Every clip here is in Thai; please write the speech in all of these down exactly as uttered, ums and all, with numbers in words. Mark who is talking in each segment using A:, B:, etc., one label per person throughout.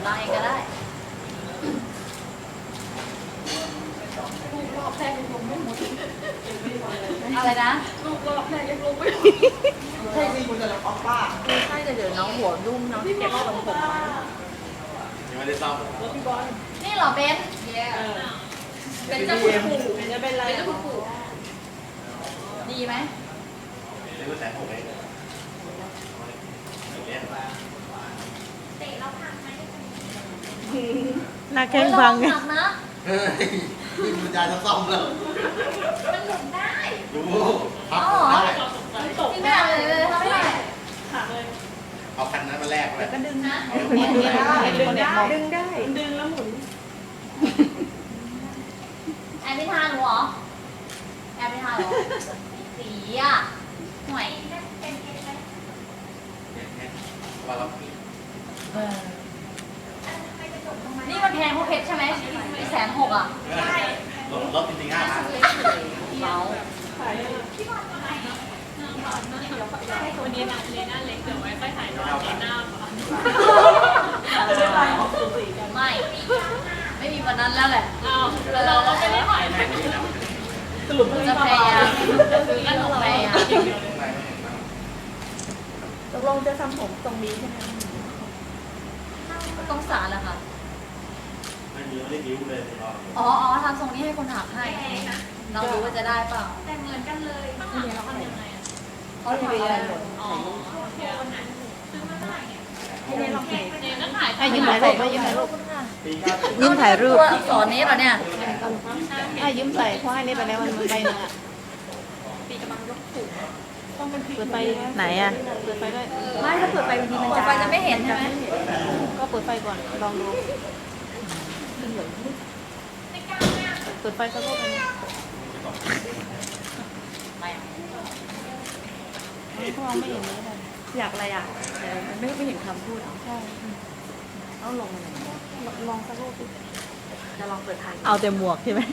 A: ล้างเองก็ได้ลูกรอบแรกยังลงไม่หมดอะไรนะลูกรอบแรกยังลงไม่หมดใช่สิคุณจะรับออกป้าใช่แต่เดี๋ยวน้องหัวรุ่มน้องที่เก็บทรงผมมา
B: ยังไม่ได้ซ่อม
A: นี่เหรอเบนเป็นเจ้าคุณปู่เป็นจะเป็นอะไรเป็นเจ้าคุณปู่ดีไหม
B: นี่ก็แสนหกเอง
C: หน้าแข้งฟังไง
A: นะ
B: เฮ้ยนี่มันจะซ่อมแล้ว
A: มันหลุดได้
B: ดูพับได้
A: ที่ไม่ได้เลยทำไม่ได้
B: เอาคันนั้นมาแลกเลย
A: ก็ดึงนะ
C: ดึงได้ดึงได้ดึงได้
A: ดึงแล้วหมุนแอบไม่ทานหรอแอบไม่ทานหรอสีอ่ะห่วย
B: ว่าเรา
A: นี่มันแพงเพราะเพชรใช่ไหมแสนหกอ่ะ
B: ใช่รถจริงๆห้าพัน
A: เมา
D: วันนี้นะเลน่าเล็กเดี๋ยวไว้ค่อยถ่ายตอนเลน่าก่อน
A: ไม่ ไม่มีวันนั้นแล้วแหละ
D: เอาเราเราไม่ได้ถ่าย
A: สรุปจะพยายามจะซื้อขนมพยายาม
C: ตกลงจะทำผมตรงนี้ใช่ไหม
A: ต้องสารแหละค่ะ
B: ไม่มีไม่ได้ดิ้วเลย
A: อ๋ออ๋อทำทรงนี้ให้คนหักให้เราดูว่าจะได้เปล่า
D: แต่เหมือนกันเลยต้องหาเราทำยังไงอ่ะ
A: เขาทำอะไรหมด
D: อ๋อเดี๋ยววันนั้นซื้อมาเท่าไหร่เนี่ย
C: ให้ลองถ่าย
D: เดี๋ยวก็ถ่าย
C: ให้ยืมถ่ายรูปยืมถ่ายรูปยืมถ่ายรูป
A: สอนนี้เหรอเนี่ย
C: ให้ยืมใส่เพราะให้นี่ไปแล้วมันใบหนึ่งอ่ะ
D: ปีกำลังยกถูก
C: ต้องเป็นเปิดไฟไหนอ่ะเปิดไฟด้วย
A: ไม่ถ้าเปิดไฟบางทีมันจะไฟจะไม่เห็นใช่ไหม
C: ก็เปิดไฟก่อนลองดูเปิดไฟสักรอบนึงพวกเราไม่เห็นเลย
A: อยากอะไรอ่ะไม่ไม่เห็นคำพูด
C: ใช่
A: ต้องลงมาไหน
C: ลองสักรอบ
A: จะลองเปิดทาง
C: เอาแต่หมวกใช่ไหม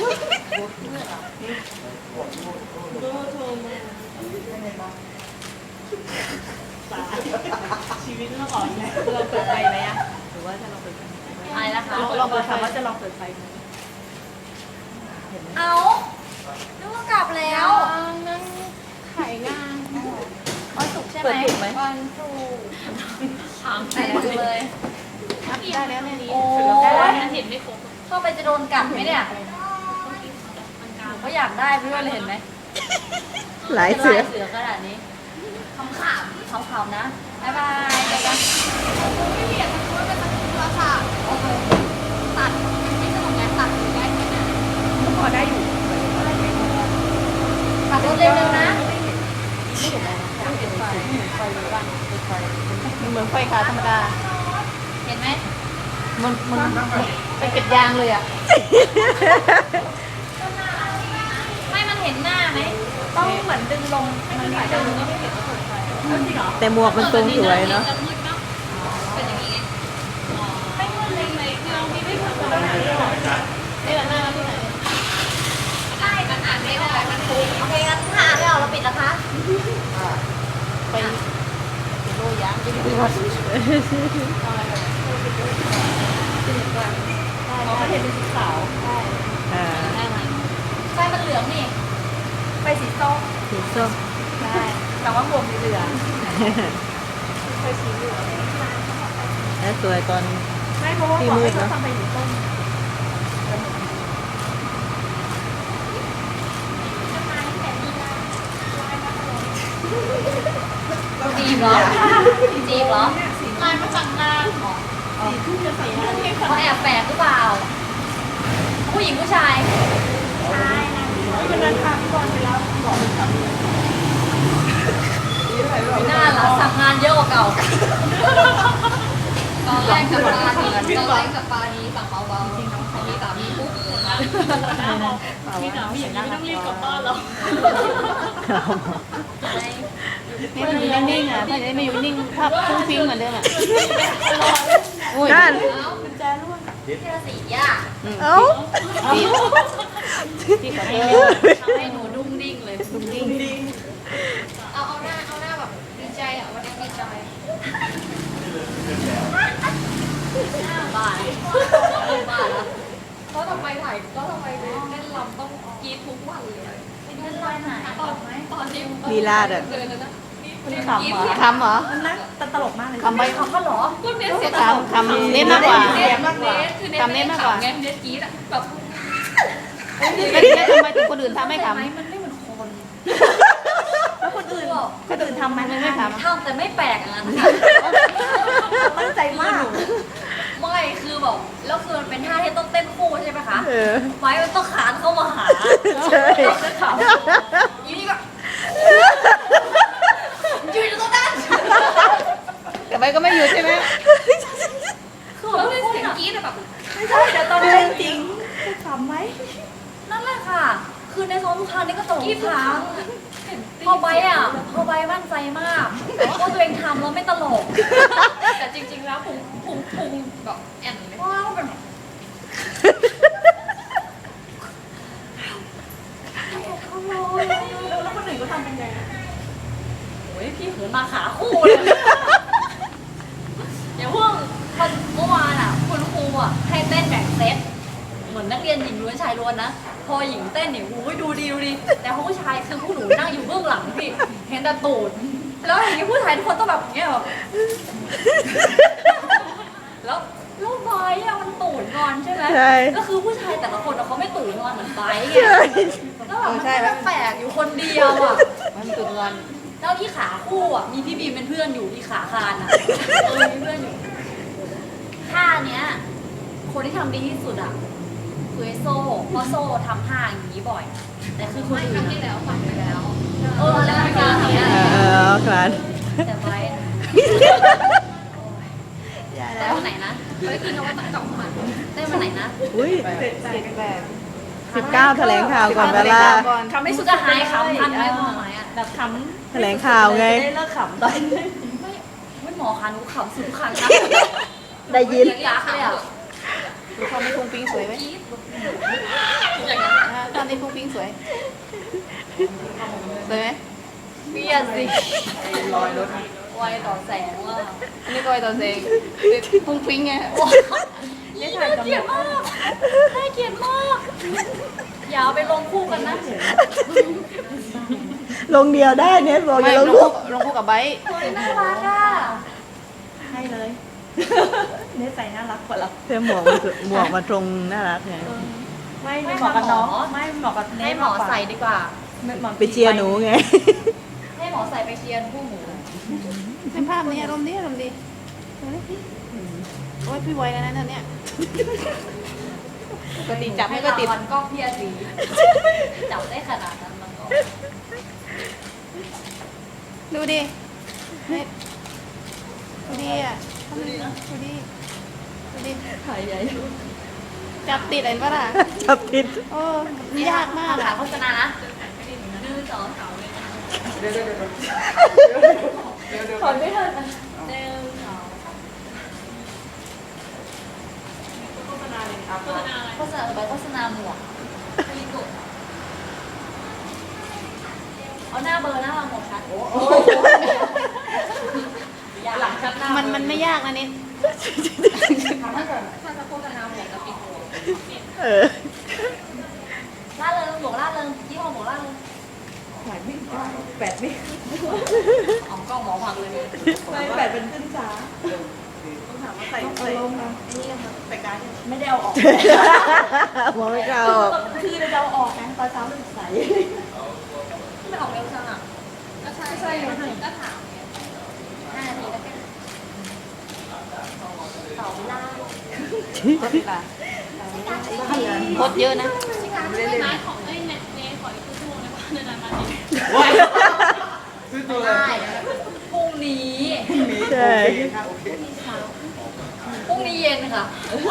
D: ชีวิตเมื่อก่อนเนี่ย
A: เราเปิดไฟไหมอ่ะหรือว่าจะลองเปิดไฟอะไรนะคะ
C: ลองเปิดไฟว่าจะลองเปิดไฟไหม
A: เอานึกว่ากลับแล้ว
C: นั่งถ่ายงาน
A: วันศุกร์ใช่ไหม
C: เปิดถูกไหม
A: วันศุกร์ถามแต่เลย
C: ได้แล้วเนี่ย
A: โอ้
D: ยเห็นไม่ครบ
A: เข้าไปจะโดนกัดไหมเนี่ยก็อยากได้เพื่อนเลยเห็นไหม
C: หลายเสือ
A: เสือขนาดนี้ขำขำขำขำนะบ๊ายบายเจอกันไม่เปลี่ยนมันเป็นโทรศัพท์ตัดไม่สนุกไงตัดได้ไหมเนี่ย
C: พอได้อยู่
A: ตัดเร็วๆนะ
C: เหมือนไฟขาธรรมดา
A: เห็นไหม
C: มันมัน
A: เป็นเป็ดยางเลยอ่ะไม่มันเห็นหน้าไหมต้องเหมือนดึงลงมันดึงก็ไม่เห็นว่าเปิดไฟ
C: แต่หมวกมันทรงสวยเนาะ
D: เป็นอย่างนี้ไม่มืดเลยไหมคือเราไม่ได้ทำอะไรนี่แหละหน้าที่ไหนใช่มันอ่านไม่ออกมันถูก
A: โอเคงั้นถ้าอ่านไม่ออกเราปิดนะคะ
C: ไปโลยางไปดูว่า
A: เขาไม่เห็นเป็นสีขาวใช่ได้ไหมไฟมันเหลืองนี่ไฟสีส้ม
C: สีส้ม
A: ใช่แต่ว่าหมวกสีเหลืองไฟสีเหลือง
C: แล้วสวยตอน
A: ไม่เพราะว่าหมวกไม่ชอบทำไฟสีส้มจีบเหรอจีบเหรอ
D: ลายมาจากงานสีทุ่มจะใส่หน้าเทพ
A: เขาแอบแฝงหรือเปล่าผู้หญิงผู้ชาย
D: ใช่นะวันนั้นพาพี่บอลไปแล้วบอกมันทำ
A: หน้าละสั่งงานเยอะกว่าเก่าตอนแรกกับปานีตอนแรกกับปานีสั่งเบาๆจริงน้องเขามีสามีปุ๊บ
D: พี่หนาวพี่อย่างนี้ไม่ต้องรีบกลับบ้านหรอก
C: ให้มันอยู่นิ่งๆอ่ะถ้าจะไม่อยู่นิ่งภาพฟุ้งฟิ้งเหมือนเดิมอ่ะ
A: นั่นกุญแจร่วงเทสีอ่ะ
C: เอ้าที่ขอโทษ
A: ทำให้หนูดุ้งดิ้งเลย
C: ดุ้งดิ้ง
A: เอาเอาหน้าเอาหน้าแบบดีใจอ่ะวันนี้ดีใจ
D: บ้านบ้านแล้วก็ทำไมถ่ายก็ทำไมเล่นลำต้องกรีดทุกวันเลยเล่นลำไหนตอนตอนที่
C: ลีลาดอ่ะ
D: เดินนะ
A: ขำเหรอ
C: คำเหรอ
A: มันน่าตลกมากเลย
C: คำไป
A: เขาก็หรอ
D: ก็เน้นเสียง
C: คำคำเน้นมากกว่า
D: เน้นเน้นคือเน้น
C: คำเน้นมากกว่า
D: ไงเน้นกรีดอะแบบ
C: แล้วทีนี้ทำไมถึงคนอื่นทำไม่ขำ
D: มันไม่เหมือนคน
A: แล้วคนอื่นคนอื่นทำไหม
C: มันไม่ทำ
D: ทำแต่ไม่แปลกอย่างนั้น
A: ตั้งใจมาก
D: ไม่คือแบบแล้วคือมันเป็นท่าที่ต้องเต้นคู่ใช่ไหมคะ
C: เออ
D: ไม้มันต้องขานเข้ามาหา
C: ใช่
D: จะถามอีนี่ก็ยืนอยู่ตรงนั้น
C: แต่ไปก็ไม่หยุดใช่ไหม
D: คือแบบเป็นเสียงกรี๊ดอะแบบ
A: ไม่ใช่เดี๋ยวตอนเล่นจริงจะขำไหม
D: นั่นแหละค่ะ คือในซ้อมทุกครั้งนี่ก็ตลกทุกครั้งพอใบอ่ะพอใบมั่นใจมากว่าตัวเองทำแล้วไม่ตลก แต่จริงๆแล้วพุงพุงพุงแบบแอนเลยว้าวเป็นแบบ
A: แล้วคนอื่นก็ทำเป็นไง
D: โอ้ยพี่เหินมาขาคู่เลยอย่างเพิ่งวันเมื่อวานอ่ะคุณครูอ่ะให้เต้นแบ่งเซตเหมือนนักเรียนหญิงล้วนชายล้วนนะพอหญิงเต้นเนี่ยโอ้ยดูดีดูดีแต่พอผู้ชายคือผู้หนูนั่งอยู่เบื้องหลังพี่เห็นแต่ตูดแล้วอย่างนี้ผู้ชายทุกคนต้องแบบอย่างเงี้ยแบบแล้วแล้วไบร์ทอะมันตูดงอนใช่ไหม
C: ใช่
D: ก็คือผู้ชายแต่ละคนอะเขาไม่ตูดงอนเหมือนไบร์ทไง
C: ใช่
D: แล้วแบบมัน
C: ใช่
D: ก็แปลกอยู่คนเดียวอ่ะ
C: มันตุนงอน
D: แล้วที่ขาคู่อ่ะมีพี่บีมเป็นเพื่อนอยู่ที่ขาคานอ่ะเออมีเพื่อนอยู่ท่าเนี้ย คนที่ทำดีที่สุดอ่ะคือไอโซ่เพราะโซ่ทำท่าอย่างนี้บ่อย แต่คือคนอื่นที่แล้วฝันไปแล้วเออแล้วท่าเนี้ย
C: เออเออครับ
D: แต่ไว้
C: อย่า
D: ได้
C: แล้ว
D: วันไหนนะเฮ้ยคือนวัตกรรมใหม่ได้วันไหนนะ
C: อุ้ยสิบเก้าแถลงข่าวก่อนเวลา
D: ทำให้สุดจะหายขำทันไหมพ่อหมายอ่ะ
A: แบบขำ
C: แถลงข่าวไง
A: จะได้เลิกขำตอนนี้
D: ไม่ไม่หมอคะหนูขำสุดทุกครั้งนะ
C: ได้ยิน
D: ยักษ์เลยอ่ะ
C: ดูความไม่พุงปิงสวยไหม
D: กรี๊ดอย่างนั้น
C: อ่าตอนนี้พุงปิงสวย สวยไหม
D: เบียดสิลอยรถไวต่อแสงว่ะ
C: อันนี้ก็ไอตอนเซงพุงปิงไง
D: นี่น่าเกลียดมากน่าเกลียดมากอย่าเอาไปลงคู่กันนะ
C: ลงเดียวได้เนี่ยบอกอย่าลง
E: ล
C: ลู
E: ง
C: ก
E: ลงคู่กับไบร์ท
D: เฮ้ยน่ารักอ่ะ
A: ให้เลย เนื้อใส่น่ารักกว่าเรา
C: เสื้อหมวกมันหมวกมาตรงน่ารักไง
A: ไม่ไม่เหมาะกับน้องไม่เหมาะกับเน
D: ให้
A: ส
D: หมอใส่ดีกว่า
C: ไปเชียร์หนูไง
D: ให้หมอใส่ไปเชียร์คู่หมู
E: เป็นภาพนี้อารมณ์ดีอารมณ์ดีดูดิโอ้ยพี่ไวแล้วนะเนี่ยปกติจับไม่ก็ติด
D: วันก็เพียสีจับได้ขนาดนั้นมันก็
E: ดูดิเนี่ยดูดิอ่ะดูดิดูดิดูดิ
A: ถ่ายใหญ่
E: จับติดเห็นปะล่ะ
C: จับผิด
E: โอ้ยากมาก
D: ขา
E: อ่ะ
D: โฆษณานะหนึ่งสองสาม
A: ถอนไม่ทัน
D: หนึ่งสองโฆษณาโฆษณาไปโฆษณาหมวกเอาหน้าเบอร์หน้าเราหมดชัดโอ้หลังชัดหน้า
E: มันมันไม่ยากนะนิด
D: ถ้าเกิดถ้าจะโฆษณาหมวกจะปิดหัว
C: เออ
D: ล่าเริงหมวกล่าเริงยี่ห้อหมวกล่าเริง
A: ถ่ายไม่ได้แปดไม่
D: อ๋อกล้องหมอพังเลย
A: ไม่แปดเป็นขึ้นช้าต้องถามว่าใส่ใส่นี่ค่ะใส่การดไม่ได้เอาออก
C: มองไม่เข้า
A: คือเราจะเอาออกนะตอนเช้ามันใส
D: ไม่ออกเร็วจังอ่ะก็ใช่ใช่ก็ถามห้านาทีแล้วกันต่อเวลา
E: โคตรละโคตรเยอะนะ
B: ซื้อตัวเลย
D: ได้พรุ่งนี้
C: ใช่
D: พรุ่งนี้เย็นค่ะ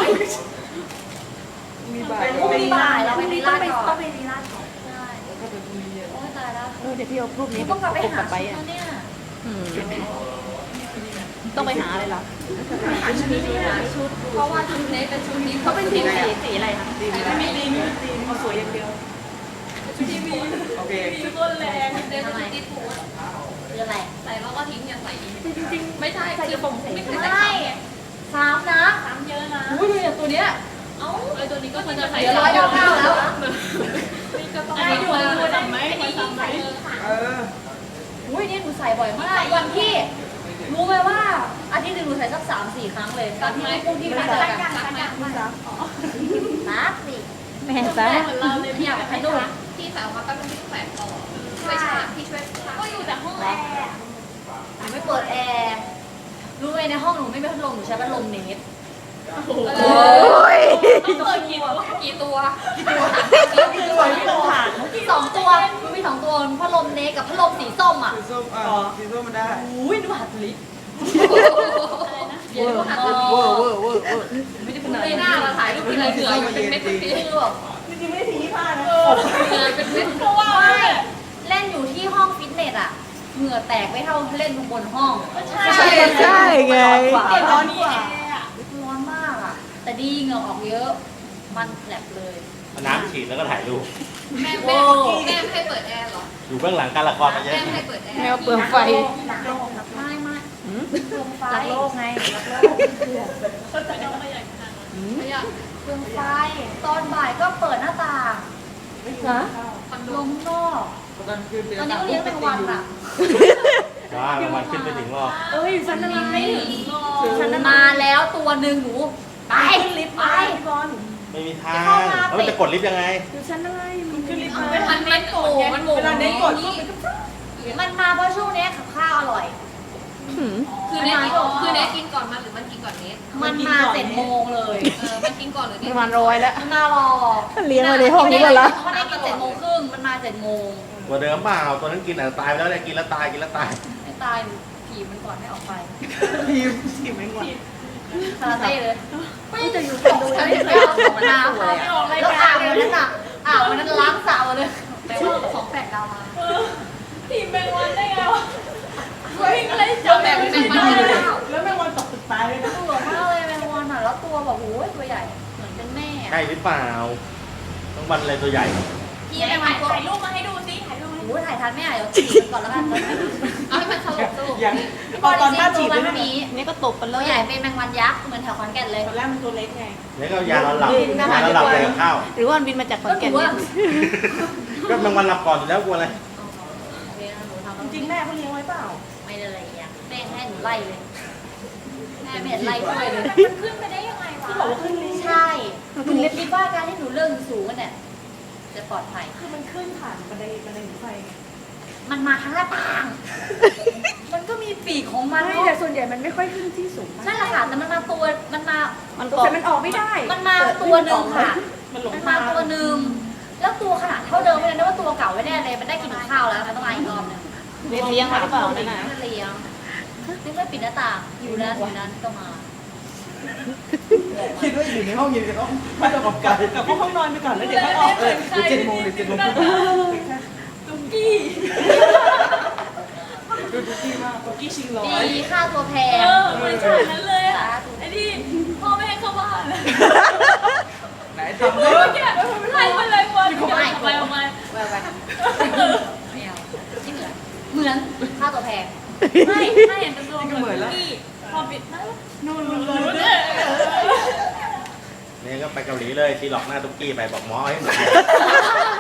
A: มีบ่าย
D: พรุ่งนี้บ่ายเราไปรีลาดก่อน
A: ต้องไปรีลาดก่อน
D: ใช่โอ้ยตายแล้ว
E: เออเดี๋ยวพี่เอารูปนี้
D: ต้องกลับไป
E: ปก
D: หา
E: กับไบ
D: ชุ
E: ร์ท
D: ด
E: อ่ะ
D: แล้วเนี่ย
C: อืม
E: ต้องไปหาอะไรเหรอ
D: หาชุดหาชุดเพราะว่าชุดนี้เป็นชุดนี้เขาเป็นสีสีสีอะไรคะสี
A: ไม่มีตีมีตีมาสวยอย่างเดียว
D: ชุดทีวี
B: โอเค
D: ชุดต้นแรงเดินไปติดหัวคืออะไรใส่แล้วก็ทิ้งอย่างใส่จริงจริงไม่ใช่ใส่กระโปรงใส่ไม่ใช่ซ้ำนะซ้ำเยอะนะ
A: อุ้ย
D: ตัวเนี้ย
A: เอ้าไอตัวนี้ก็ควรจะใส่
D: เดี๋ยวร้อยเก้าเก้าแล้ว
A: อันนี้ควรจะทำไหมควรทำไหม
B: เออ
D: อุ้ยนี่หนูใส่บ่อยมากวันที่รู้ไหมว่าอาทิตย์หนึงหนูใส่สักสามสี่ครั้งเลยตอนที่ไม่พูดที่ไม่เจอกัน
A: ซักไหมซัก
D: ซักสิ
C: แม่ซะ
A: เหมือนเราเลย
D: อยากไปดู
A: ที่สาวมาก็ต้องที่แขวนต่อช่วยชาที่ช่วยก็อยู่แต่ห้องแอร์
D: หนูไม่เปิดแอร์รู้ไหมในห้องหนูไม่มีพัดลมหนูใช้พัดลมเนส
A: โอ้โห ต้องเปิดกี่ตัวกี่ตัวกี่ตัว
D: สองตัวมันมีสองตัวพัดลมเนสกับพัดลมสีส้มอ่ะ
B: สีส้มอ่ะสีส้มมันได้
D: อุ้ยดูหัดลิฟต์
A: อะไรนะเย็นกว่าหัด
B: เว
A: ตัว
B: อร์เวอร์เวอร์เวอร์
D: ไม่ได้พูด
A: ในหน้าเราถ่ายรูปเป็นเหงื่ออยู่เป็นเม็ดเป็นเม็ด
D: คือแบบ
B: จริงๆไม่ได้สีผ้านะ
A: เหงื่อเป็นเม็ดเพราะว่า
D: ไม่เล่นอยู่ที่ห้องฟิตเนสอ่ะเหงื่อแตกไม่เท่าเล่นบนห้อง
A: ใช่
E: ใช่ไง
A: ร้อนกว่า
D: ร้อนมากอ่ะ แต่ดีเหงื่อออกเยอะ มันแผลบเลย
F: เอาน้ำฉีดแล้วก็ถ่ายรูป
A: แม่แม่แม่ให้เปิดแอร์เหรอ
F: อยู่เบื้องหลังการละครมาเยอะ
A: แม่ให้เปิดแอร์
E: แมวเปลืองไฟ
D: ไม่ไม่เปลืองไฟ
C: รักโลกไงรักโลก
A: ไม่ต้องไม่อยากทำไม่อยาก
D: เปลืองไฟ ตอนบ่ายก็เปิดหน้าต่าง
E: ฮะ
A: คอนโด
D: ลมนอก
B: ตอนคืนเดือน
D: ตอนนี้ก็เลี้ยงเป็นวันอ่ะ
F: ว่ารางวัลขึ้นไปถึงรอบ
C: เอ้ยฉันอะไร
D: ฉันมาแล้วตัวหนึ่งหนู ไปลิฟต์ไป
F: ไม่มีทางแล้วมันจะกดลิฟต์ยังไง
C: ฉันอะไร
B: ขึ้นลิฟต์
A: มัน
B: มา
A: เป็นมันมันโง่มันโง่
B: เวลาเน้นกดก็
D: มันมาเพราะช่วงนี้กับข้าวอร่อย
A: คือเนทกินคือเนทกินก่อนมันหรือมันกินก่อนเนท
D: มันมาเจ็ดโมงเลย
A: เออมันกินก่อนหรือเน
E: ป
A: ท
E: ระมาณร้อยแล้ว
D: มันมารอ
E: เลี้ยงมาในห้องนี้หมดละ
D: มันได้กินเจ็ดโมงครึ่งมันมาเจ็ดโมง
F: ตัวเดิมเปล่าตัวนั้นกินแต่ตายไปแล้วเนี่ยกินแล้วตายกินแล้วตาย
D: ไม่ตายผีมันก่อนไม่ออกไป
B: ทีมทีมแมงวัน
D: คาราเต้เลยไม่จะอยู่คนดูยังไม่ได้เอาของน้ำค่ะแล้วอ่างวันนั้นอ่ะอ่างวันนั้นล้างสาวเลยแปลว่าของแปดดาวมา
A: ทีมแมงวันได้ไงวะเฮ้ยอะไรจะแบ่งแมงวันได้แล้ว
B: แล้วแมงวันตกตึกตายเลยนะ
D: ตัวมากเลยแมงวันอ่ะแล้วตัวแบบโอ้ยตัวใหญ่เหมือนเป็นแม่
F: ใช่หรือเปล่าต้องวันอะไรตัวใหญ่
D: พี่แมงวันตัว
A: ถ่ายรูปมาให้ดูสิถ่ายรูป
D: โอ้ยถ่ายทันไม่อ่ะเดี๋ยวฉีดก่อนแล้วกัน
A: เอาให้มันสลบสลบ
B: อย่าง
D: พี่
B: ตอนตอนท่า
D: ตั
B: ฉี
D: ว
B: ด
D: มั
B: เลย
D: น
B: นะ
D: นี้
E: นี่ก็ตบไปเล
D: ตัวย ใหญ่เป็นแมงวันยักษ์เหมือนแถวขอนแก่นเลย
B: ตอนแรกมันตัวเล็กไง
F: แล้วก็ยานอนหลับยานอนหลับเลยกับข้าว
E: หรือว่ามันบินมาจากขอนแก่น
D: ก็
E: เนี่ย
F: ก็บางวันหลับก่อนอยู่แล้วกลัวอะไร
B: จริงๆแม่เขาเลี้ยงไว้เปล่า
D: ไม่ได้อะไรอย่างแม่ให้หนูไล่เลยแม่ไม่เห็นไล่ด้วยเลย
A: มันขึ้นไปได้ยังไงวะ
B: ที่บอกว่าขึ้นลิฟต์
D: ใช่หนูคิดว่าการที่หนูเลื่อนสูงๆเนี่ยจะปลอดภัย
B: คือมันขึ้นผ่านบันไดบันไดหนีไฟไง
D: มันมาทางหน้าต่าง มันก็มีปีกของมัน
C: ไม่
D: เน
C: แต่
D: อะ
C: ส่วนใหญ่มันไม่ค่อยขึ้นที่สูง
D: นั่นแหละค่ะแต่มันมาตัวมันมา
E: มันต
C: แต่
E: บ
C: มันออกไม่ได้
D: มันมาตัวหนึ่งค่ะ
B: มันหลง
D: มัน
B: มา
D: มาตัวหนึ่งแล้วตัวขนาดเท่าเดิมไม่ได้นะว่าตัวเก่าไม่แน่เลยมันได้กินข้าวแล้วมันต้องมาอีกรอบหนึง
E: เลี้ยงเลี้ยงมาหรือเปล่านั่นน่ะ
D: ไม่เลี้ยงนี่ไม่ปิดหน้าต่างอยู่นั้นอยู่นั้นก็มา
B: คิดว่าอยู่ในห้องอยู่ในห้องไม่ต้องออกกันกลับห้องนอนไปก่อนแล้วเดี๋ยวค่อยออกเลยเดี๋ยวเจ็ดโมงเดี๋ยวเจ็ดโมงครึ่ง
A: ตุ๊กกี้
B: ดูดูกี้มากดูกี้ชิงร้อย
D: ดีค่าตัวแพ
A: เอง อเหมือนฉากนั้นเลยอ่ะ
D: สาธุ
A: ไอ้ที่พ่อไม่ให้เข้าบ้าน
B: ไหนทำ
A: เมื่
B: ได้
A: อกี้ไล่มาเลยวันออกไปออกไป
D: แววไปไม่เอาที่เหมือนเหมือนค่าตัวแพง
A: ไม่ถ้าเห็นเป็นตัวเหมือนที่พอปิดนะนู่นนู่นเลย
F: เนี่ยก็ไปเกาหลีเลยทีหลอกหน้าตุ๊กกี้ไปบอกหมอให้หมด